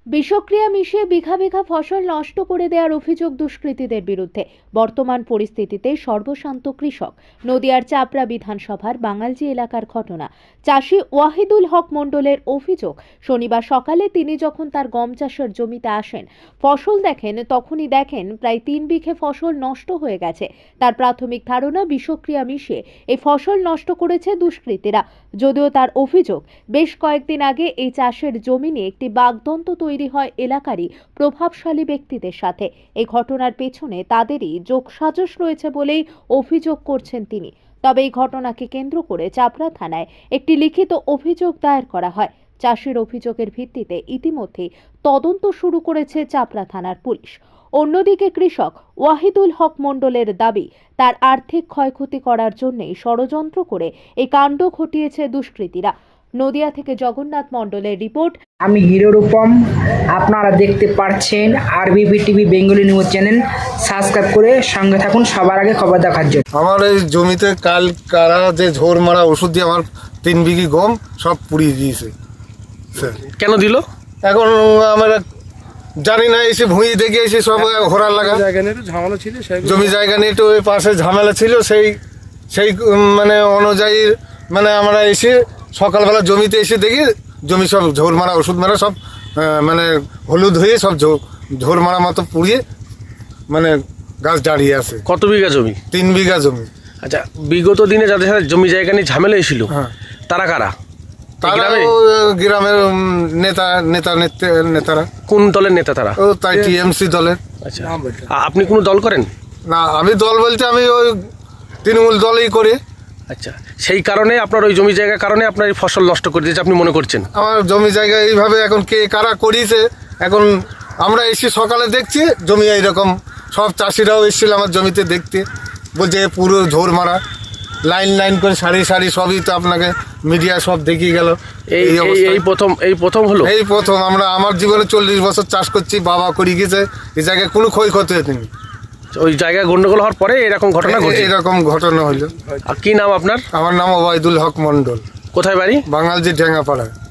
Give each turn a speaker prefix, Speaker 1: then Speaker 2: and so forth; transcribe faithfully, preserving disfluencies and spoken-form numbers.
Speaker 1: বিষক্রিয়া মিশিয়ে বিঘা বিঘা ফসল নষ্ট করে দেওয়ার অভিযোগ দুষ্কৃতীদের বিরুদ্ধে। বর্তমান পরিস্থিতিতে সর্বশান্ত কৃষক। নদিয়ার চাপড়া বিধানসভার বাঙালজি এলাকার ঘটনা। চাষি ওয়াহিদুল হক মণ্ডলের অভিযোগ, শনিবার সকালে তিনি যখন তার গম চাষের জমিতে আসেন, ফসল দেখেন, তখনই দেখেন প্রায় তিন বিঘে ফসল নষ্ট হয়ে গেছে। তার প্রাথমিক ধারণা বিষক্রিয়া মিশিয়ে এই ফসল নষ্ট করেছে দুষ্কৃতীরা। যদিও তার অভিযোগ, বেশ কয়েকদিন আগে এই চাষের জমি নিয়ে একটি বাগদন্ত তৈরি হয় এলাকারই প্রভাবশালী ব্যক্তিদের সাথে। এই ঘটনার পেছনে তাদেরই যোগসাজশ রয়েছে বলেই অভিযোগ করছেন তিনি। তবে এই ঘটনাকে কেন্দ্র করে চাপড়া থানায় একটি লিখিত অভিযোগ দায়ের করা হয়। চাষির অভিযোগের ভিত্তিতে ইতিমধ্যেই তদন্ত শুরু করেছে চাপড়া থানার পুলিশ। অন্যদিকে কৃষক ওয়াহিদুল হক মণ্ডলের দাবি, তার আর্থিক ক্ষয়ক্ষতি করার জন্যই ষড়যন্ত্র করে এই কাণ্ড ঘটিয়েছে দুষ্কৃতীরা। নদিয়া থেকে জগন্নাথ মণ্ডলের রিপোর্ট।
Speaker 2: আমি হিরো রূপম, আপনারা দেখতে পাচ্ছেন RBP TV Bengali news channel. Subscribe করে সঙ্গে থাকুন সবার আগে খবর দেখার জন্য।
Speaker 3: আমার এই জমিতে কাল কারা যে ঝোর মারা ওষুধ দিয়ে আমার তিন বিঘি গম সব পুড়িয়ে দিয়েছে। স্যার
Speaker 4: কেন দিল
Speaker 3: এখন আমরা জানি না, এসে ভুঁই দেখে এসে সব হোরার লাগা
Speaker 5: ঝামেলা ছিল,
Speaker 3: জমি জায়গা নিয়ে একটু ওই পাশে ঝামেলা ছিল, সেই সেই মানে অনুযায়ী মানে আমরা এসে সকালবেলা জমিতে এসে দেখি জমি সব ঝোর মারা ওষুধ মারা সব মানে হলুদ হয়ে সব ঝোর মারা মতো পুড়িয়ে মানে গাছ দাঁড়িয়ে আছে।
Speaker 4: কত বিঘা জমি?
Speaker 3: তিন বিঘা জমি।
Speaker 4: আচ্ছা, বিগত দিনে যাদের সাথে জমি জায়গা নিয়ে ঝামেলা এসেছিল,
Speaker 3: হ্যাঁ,
Speaker 4: তারা কারা?
Speaker 3: তারা গ্রামের নেতা নেতা নেতারা।
Speaker 4: কোন দলের নেতা তারা?
Speaker 3: ও তাই টিএমসি দলের।
Speaker 4: আচ্ছা, আপনি কোনো দল করেন?
Speaker 3: না, আমি দল বলতে আমি ওই তৃণমূল দলই করি।
Speaker 4: আচ্ছা, সেই কারণে আপনার ওই জমি জায়গার কারণে আপনার এই ফসল নষ্ট করে দিয়েছে আপনি মনে করছেন?
Speaker 3: আমার জমি জায়গা এইভাবে এখন কে কারা করিয়েছে, এখন আমরা এসে সকালে দেখছি জমি এইরকম। সব চাষিরাও এসেছিল আমার জমিতে দেখতে, বলছে পুরো ঝোর মারা, লাইন লাইন করে সারি সারি সবই তো আপনাকে মিডিয়া সব দেখিয়ে গেল।
Speaker 4: এই এই প্রথম এই প্রথম হলো
Speaker 3: এই প্রথম আমরা আমার জীবনে চল্লিশ বছর চাষ করছি, বাবা করে গেছে, এই জায়গায় কোনো ক্ষয়ক্ষতি হয়নি।
Speaker 4: ওই জায়গায় গন্ডগোল হওয়ার পরে এরকম ঘটনা ঘটে?
Speaker 3: এরকম ঘটনা হইলো।
Speaker 4: আর কি নাম আপনার?
Speaker 3: আমার নাম ওবায়দুল হক মণ্ডল।
Speaker 4: কোথায় বাড়ি?
Speaker 3: বাঙালজি ঢেঙ্গাপাড়া।